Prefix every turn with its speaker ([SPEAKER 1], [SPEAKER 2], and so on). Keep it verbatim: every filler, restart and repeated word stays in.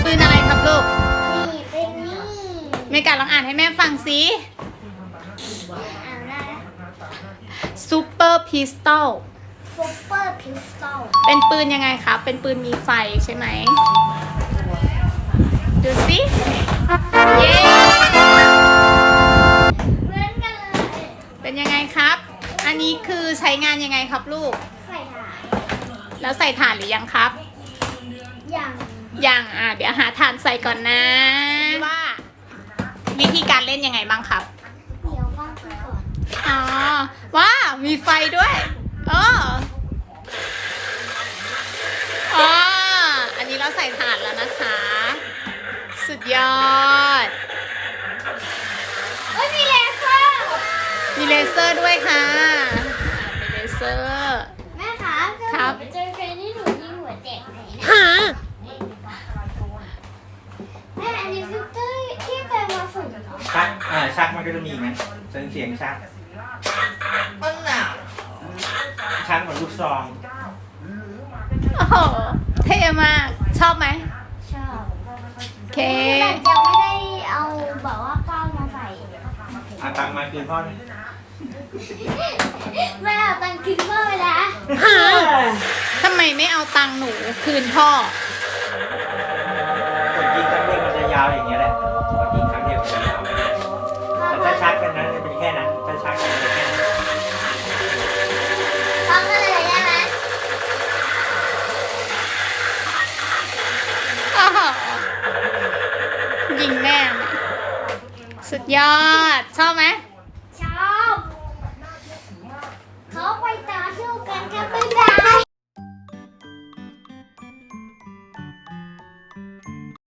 [SPEAKER 1] ปืนอะไรครับลูก
[SPEAKER 2] นี่เป็นนี่
[SPEAKER 1] เมกาลองอ่านให้แม่ฟังสิ
[SPEAKER 2] อ่านได้
[SPEAKER 1] ซูเปอร์พิสตอล
[SPEAKER 2] ซุปเปอร์พิสตอล
[SPEAKER 1] เป็นปืนยังไงครับเป็นปืนมีไฟใช่ไหมดูสิเย้
[SPEAKER 2] เหมือนกันเลย
[SPEAKER 1] เป็นยังไงครับอันนี้คือใช้งานยังไงครับลูก
[SPEAKER 2] ใส่ถ่าน
[SPEAKER 1] แล้วใส่ถ่านหรือยังครับ
[SPEAKER 2] อย่าง
[SPEAKER 1] ยังอ่ะเดี๋ยวหาถ่านใส่ก่อนนะว่าวิธีการเล่นยังไงบ้างครับ
[SPEAKER 2] เดี๋ยวว่างก่อน
[SPEAKER 1] อ๋อว้ามีไฟด้วยเอออ๋ออันนี้เราใส่ถ่านแล้วนะคะสุดยอด
[SPEAKER 2] เอ้ยมีเลเซอร์
[SPEAKER 1] มีเลเซอร์ด้วยค่ะมีเลเซอร์
[SPEAKER 2] แม่คะถ้า
[SPEAKER 1] ค
[SPEAKER 2] ห
[SPEAKER 1] รั
[SPEAKER 2] นู
[SPEAKER 1] บ
[SPEAKER 2] ไปเจอใครที่หนูยิงหัวแตกไหนนะ
[SPEAKER 1] หา
[SPEAKER 2] แม่อันนี้คือที่ที่เป็นมาฝึกเหรอ
[SPEAKER 3] ชักอ่าชักมันก็จะมีไหมเสียงเสียงชักมันหนาชักเหมือนลูกซอง
[SPEAKER 1] โอ้โหเท่มากชอบไหม
[SPEAKER 2] ชอบ
[SPEAKER 1] โอเค
[SPEAKER 2] แต่ยังไม่ได้เอาแบบว่าก้าวมาใส่
[SPEAKER 3] อาตังค์มาคืนพ่อเลย
[SPEAKER 2] แม่เอาตังค์กินเพิ่มไปแล้ว
[SPEAKER 1] ทำไมไม่เอาตังค์หนูคืนพ่อ
[SPEAKER 3] กดยิงครั้งเดียวมันจะยาวอย่างเงี้ยแหละกดยิงครั้งเดียวมันจะยาวแต่ถ้าชักกันนั้นจะเป็นแค่นั้นถ้าชักกันจะเป็นแค่นั้น
[SPEAKER 2] พร้อมกันเลยได้ไหม
[SPEAKER 1] โอ้โหยิงแม่สุดยอด ชอบไหม